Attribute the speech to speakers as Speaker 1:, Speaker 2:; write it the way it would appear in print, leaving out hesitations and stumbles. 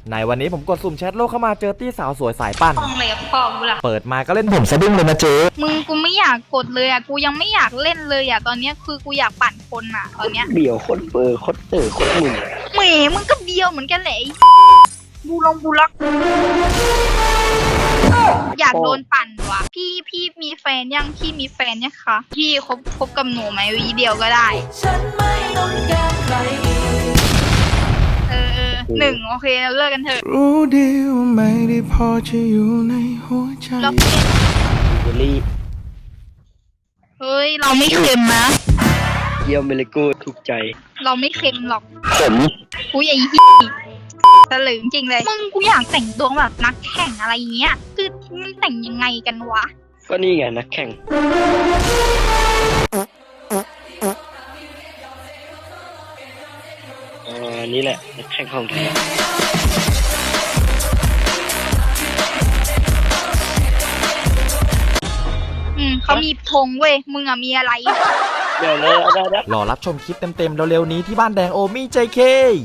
Speaker 1: ในวันนี้ผมกดสุ่มแชทโลกเข้ามาเจอตี้สาวสวยสายปั่น
Speaker 2: ต้องเลยกับพ่อกูล่ะ
Speaker 1: เปิดมาก็เล่นผมสะดุ้งเลยนะเจ๊
Speaker 2: มึงกูไม่อยากกดเลยอ่ะ กูยังไม่อยากเล่นเลยอ่ะ ตอนเนี้ยคือกูอยากปั่นคนอ่ะ ตอนเนี้ย
Speaker 3: เดี่ยวโคตรเบอร์โคตรเต๋อโคตรมึน
Speaker 2: แหมมึงก็เบียวเหมือนกันแหละไอ้บูล็อกอยากโดนปั่นว่ะ พี่มีแฟนยังพี่มีแฟนยังคะพี่คบกับหนูไหมวีเดียวก็ได้
Speaker 4: ฉันไม่ต้องการใครอีก
Speaker 2: หนึ่งโอเคเราเลิกกันเถอะ
Speaker 5: รู้ดีว่าไม่ได้พอจะอยู่ในหัวใจ
Speaker 2: เราเล่น
Speaker 3: เบลลี่
Speaker 2: เฮ้ยเราไม่เค็มนะ
Speaker 3: เยี่ยมเบลกูถูกใจ
Speaker 2: เราไม่เค็มหรอก
Speaker 3: ผม
Speaker 2: กูใหญ่ฮี่ตะลึงจริงเลย มึงกูอยากแต่งตัวแบบนักแข่งอะไรเงี้ย คือมันแต่งยังไงกันวะ
Speaker 3: ก็นี่ไงนักแข่งนี่แหละนักแข่งของแท้
Speaker 2: เขามีธงเว้ย มึงอะมีอะไร
Speaker 3: เดี๋ยวเลยได้
Speaker 1: รอรับชมคลิปเต็มๆเร็วๆนี้ที่บ้านแดงโอมี่ JK